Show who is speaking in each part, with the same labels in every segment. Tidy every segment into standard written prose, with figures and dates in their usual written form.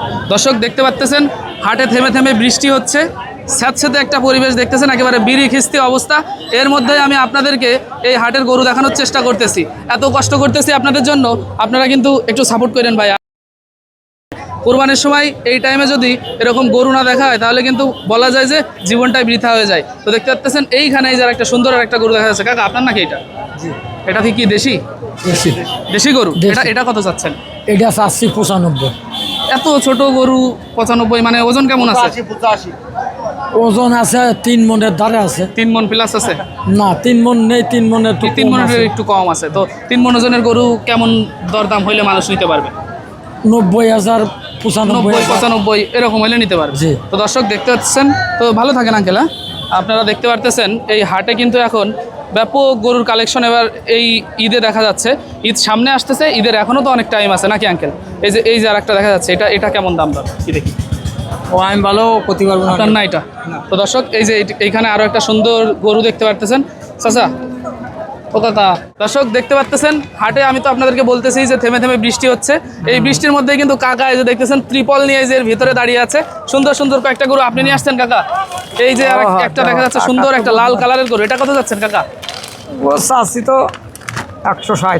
Speaker 1: দর্শক দেখতে পাচ্ছেন হাটে থেমে থেমে বৃষ্টি হচ্ছে, স্যাঁতস্যাঁতে একটা পরিবেশ দেখতেছেন, একেবারে বিড়ি খিস্তি অবস্থা। এর মধ্যে আমি আপনাদেরকে এই হাটের গরু দেখানোর চেষ্টা করতেছি, এত কষ্ট করতেছি আপনাদের জন্য, আপনারা কিন্তু একটু সাপোর্ট করেন ভাই। কোরবানির সময় এই টাইমে যদি এরকম গরু না দেখা হয় তাহলে কিন্তু বলা যায় যে জীবনটাই বৃথা হয়ে যায়। তো দেখতে পাচ্ছেন এইখানে এই যার একটা সুন্দর একটা গরু দেখা যাচ্ছে। কাকা আপনার নাকি এটা? এটা কি দেশি? দেশি গরু। এটা কত চাচ্ছেন?
Speaker 2: এটা 85-95।
Speaker 1: এত ছোট গরু 95, মানে ওজন কেমন আছে?
Speaker 2: ওজন আছে 3 মনের ধারে আছে।
Speaker 1: 3 মন প্লাস আছে?
Speaker 2: না 3 মন নেই, 3 মনের
Speaker 1: 3 মনের একটু কম আছে। তো 3 মন ওজনের গরু কেমন দরদাম হইলে মানুষ নিতে পারবে?
Speaker 2: 90,000,
Speaker 1: 95 এরকম হইলে নিতে পারবে। তো দর্শক দেখতে পাচ্ছেন, তো ভালো থাকেন আঙ্কেল। হ্যাঁ, আপনারা দেখতে পারতেছেন এই হাটে কিন্তু এখন ব্যাপক গরুর কালেকশন এবার এই ঈদে দেখা যাচ্ছে। ঈদ সামনে আসতেছে, ঈদের এখনও তো অনেক টাইম আছে নাকি আঙ্কেল? এই যে আর একটা দেখা যাচ্ছে, এটা কেমন দাম দর কি দেখি?
Speaker 2: ও আমি ভালো করতে পারবো
Speaker 1: না এটা। তো দর্শক এই যে এইখানে আরও একটা সুন্দর গরু দেখতে পারতেছেন চাচা। ও কাকা, দর্শক দেখতে পাচ্ছেন হাটে আমি তো আপনাদেরকে বলতেছি যে থেমে থেমে বৃষ্টি হচ্ছে। এই বৃষ্টির মধ্যে কিন্তু কাকা এই যে দেখতেছেন ত্রিপল নিয়ে এই যে ভিতরে দাঁড়িয়ে আছে। সুন্দর সুন্দর কয়েকটা গরু আপনি নিয়ে আসছেন কাকা। এই যে আর একটা দেখা যাচ্ছে সুন্দর একটা লাল কালারের গরু, এটা কত যাচ্ছেন কাকা?
Speaker 2: ও চাচ্ছি তো 160।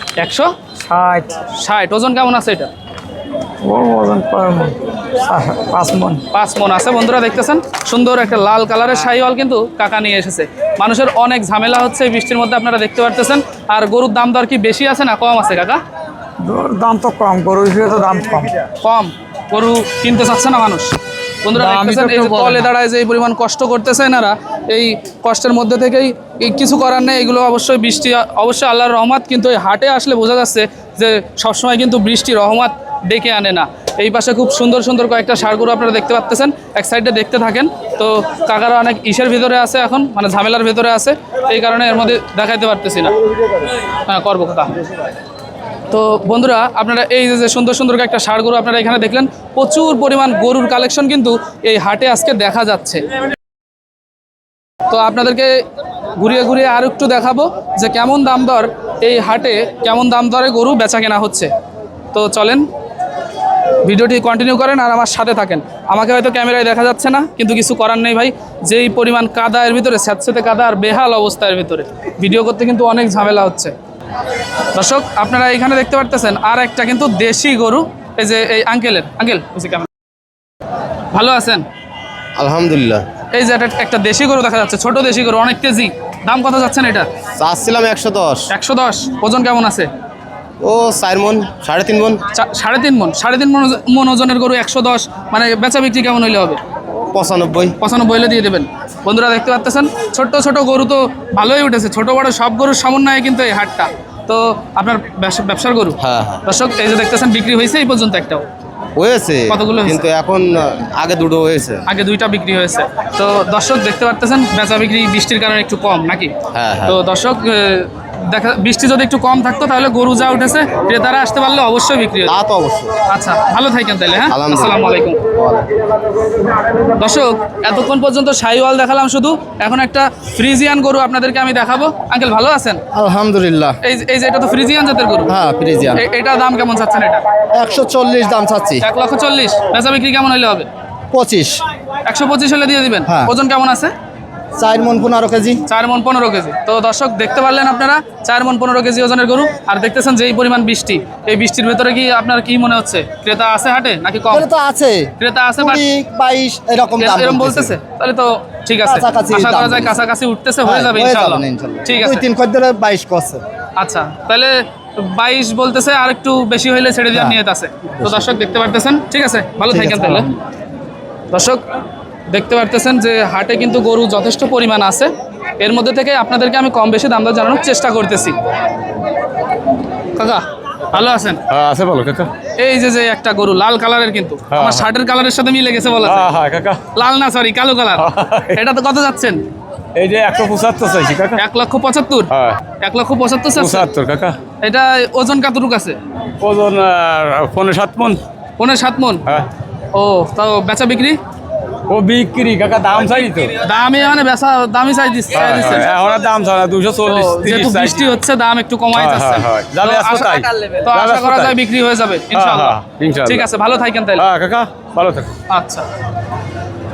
Speaker 1: 160। ওজন কেমন আছে এটা?
Speaker 2: ও ওজন
Speaker 1: 5 মন আছে। বন্ধুরা দেখতেছেন সুন্দর একটা লাল কালারের শাহিওয়াল কিন্তু কাকা নিয়ে এসেছে। মানুষের অনেক ঝামেলা হচ্ছে এই বৃষ্টির মধ্যে, আপনারা দেখতে পারতেছেন। আর গরুর দাম দর কি বেশি আছে না কম আছে কাকা?
Speaker 2: দাম তো কম, গরু হিসেবে তো দাম
Speaker 1: কম। গরু কিনতে চাচ্ছে না মানুষ। বন্ধুরা দেখতেছেন এই যে তলে দাঁড়ায় যে এই পরিমাণ কষ্ট করতেছে এনারা, এই কষ্টের মধ্যে থেকেই কিছু করার নেই। এগুলো অবশ্যই বৃষ্টি, অবশ্যই আল্লাহর রহমত, কিন্তু এই হাটে আসলে বোঝা যাচ্ছে যে সবসময় কিন্তু বৃষ্টি রহমত ডেকে আনে না। এই পাশে খুব সুন্দর সুন্দর কয়েকটা ষাঁড় গরু আপনারা দেখতে পাচ্ছেন, এক সাইডে দেখতে থাকেন। তো কাকারা অনেক ইসের ভিতরে আছে এখন, মানে ঝামেলার ভিতরে আছে, এই কারণে এর মধ্যে দেখাইতে পারতেছি না। হ্যাঁ করবো কাকা। তো বন্ধুরা আপনারা এই যে সুন্দর সুন্দর একটা ষাঁড় গরু আপনারা এখানে দেখলেন, প্রচুর পরিমাণ গরুর কালেকশন কিন্তু এই হাটে আজকে দেখা যাচ্ছে। তো আপনাদেরকে ঘুরিয়ে ঘুরিয়ে আর একটু দেখাবো যে কেমন দাম দর এই হাটে, কেমন দাম দরে গরু বেচা কেনা হচ্ছে। তো চলেন ভিডিওটি কন্টিনিউ করেন আর আমার সাথে থাকেন। আমাকে হয়তো ক্যামেরায় দেখা যাচ্ছে না, কিন্তু কিছু করার নেই ভাই, যেই পরিমাণ কাদা এর ভিতরে, স্যাঁতস্যাঁতে কাদা আর বেহাল অবস্থার ভিতরে ভিডিও করতে কিন্তু অনেক ঝামেলা হচ্ছে। দর্শক আপনারা এখানে দেখতে পারতেছেন আর একটা কিন্তু দেশি গরু, এই যে এই আঙ্কেল কেমন ভালো আছেন?
Speaker 3: আলহামদুলিল্লাহ।
Speaker 1: এই যে একটা দেশি গরু দেখা যাচ্ছে, ছোট দেশি গরু, অনেক কেজি। দাম কত যাচ্ছেন এটা?
Speaker 3: চাচ্ছিলাম 110।
Speaker 1: 110। ওজন কেমন আছে?
Speaker 3: ও 4 মন, 3.5 মন।
Speaker 1: 3.5 মন। 3.5 মন ওজনের গরু 110, মানে বেচা বিক্রি কেমন হইলে হবে?
Speaker 3: 95
Speaker 1: হলে দিয়ে দেবেন। বন্ধুরা দেখতে পাচ্ছেন ছোট ছোট গরু তো ভালোই উঠেছে, ছোট বড় সব গরুর সমন্বয়ে কিন্তু এই হাটটা। তো আপনার ব্যবসার গরু?
Speaker 3: হ্যাঁ।
Speaker 1: দর্শক এই যে দেখতেছেন বিক্রি হয়েছে এই পর্যন্ত একটাও?
Speaker 3: হয়েছে
Speaker 1: কতগুলো?
Speaker 3: কিন্তু এখন আগে দুটো হয়েছে,
Speaker 1: আগে 2টা বিক্রি হয়েছে। তো দর্শক দেখতে পারতেছেন বেচা বিক্রি বৃষ্টির কারণে একটু কম নাকি?
Speaker 3: হ্যাঁ।
Speaker 1: তো দর্শক দেখা, বৃষ্টি যদি একটু কম থাকতো তাহলে গরু যা উঠেছে ক্রেতারা আসতে পারলে অবশ্যই বিক্রি হতো।
Speaker 3: তা তো অবশ্যই।
Speaker 1: আচ্ছা ভালো থাকেন তাহলে। হ্যাঁ, আসসালামু আলাইকুম। দর্শক এতক্ষণ পর্যন্ত শাহিওয়াল দেখালাম শুধু, এখন একটা ফ্রিজিয়ান গরু আপনাদেরকে আমি দেখাবো। আঙ্কেল ভালো আছেন?
Speaker 3: আলহামদুলিল্লাহ।
Speaker 1: এই যে এটা তো ফ্রিজিয়ান জাতের গরু।
Speaker 3: হ্যাঁ ফ্রিজিয়ান।
Speaker 1: এটা দাম কেমন চাচ্ছেন? এটা
Speaker 3: 140 দাম চাচ্ছি।
Speaker 1: 1,40,000। বেচা বিক্রি কেমন হইলে হবে?
Speaker 3: 25।
Speaker 1: 125 হলে দিয়ে দিবেন। ওজন কেমন আছে?
Speaker 3: 4 মন 15 কেজি।
Speaker 1: 4 মন 15 কেজি। তো দর্শক দেখতে পারলেন আপনারা 4 মন 15 কেজি ওজনের গরু। আর দেখতেছেন যে এই পরিমাণ বৃষ্টি, এই বৃষ্টির ভেতরে কি আপনার কি মনে হচ্ছে ক্রেতা আছে হাটে নাকি কম? ক্রেতা আছে
Speaker 3: 22 এরকম
Speaker 1: বলতেছে, তাহলে তো ঠিক আছে, আশা করা যায় কাছাকাছি উঠতেছে, হয়ে যাবে ইনশাআল্লাহ। ঠিক আছে,
Speaker 3: 2-3 খদ্দের 22 করছে।
Speaker 1: আচ্ছা তাহলে 22 বলতেছে, আর একটু বেশি হইলে ছেড়ে দেওয়ার নিয়ত আছে। তো দর্শক দেখতে পারতেছেন, ঠিক আছে ভালো থাকেন তাহলে। দর্শক দেখতে পারতেছেন যে হাটে কিন্তু গরু যথেষ্ট পরিমাণ আছে, এর মধ্যে থেকে আপনাদেরকে আমি কম বেশি দাম দর জানানোর চেষ্টা করতেছি। কাকা ভালো আছেন?
Speaker 4: হ্যাঁ আছে ভালো কাকা।
Speaker 1: এই যে একটা গরু লাল কালারের, কিন্তু আমার শার্টের কালারের সাথে মিলে গেছে বলা যায়।
Speaker 4: হ্যাঁ কাকা।
Speaker 1: লাল না, সরি কালো কালার। এটা তো কত যাচ্ছেন?
Speaker 4: এই যে 175 চাইছি কাকা।
Speaker 1: 1,75,000।
Speaker 4: হ্যাঁ
Speaker 1: 1,75,000
Speaker 4: 75 কাকা।
Speaker 1: এটা ওজন কতটুকু আছে?
Speaker 4: ওজন 5.7 মন।
Speaker 1: 5.7 মন।
Speaker 4: হ্যাঁ।
Speaker 1: ও তাও বেচা বিক্রি
Speaker 4: ও বিক্রি কাকা দাম চাই তো
Speaker 1: দামে মানে বেচা দামই চাই দিচ্ছে
Speaker 4: এখন আর দাম চাই না 240
Speaker 1: যেহেতু
Speaker 4: 30 চাই
Speaker 1: বৃষ্টি হচ্ছে দাম একটু কমাই
Speaker 4: হ্যাঁ,
Speaker 1: যাচ্ছে
Speaker 4: হ্যাঁ, যাবে আজকে তাই।
Speaker 1: তো
Speaker 4: যাবে
Speaker 1: আশা
Speaker 4: আজকে
Speaker 1: করা
Speaker 4: তাই।
Speaker 1: যায় বিক্রি হয়ে যাবে ইনশাআল্লাহ
Speaker 4: ইনশাআল্লাহ।
Speaker 1: ঠিক আছে ভালো থাকেন তাহলে
Speaker 4: হ্যাঁ কাকা ভালো থাকো
Speaker 1: আচ্ছা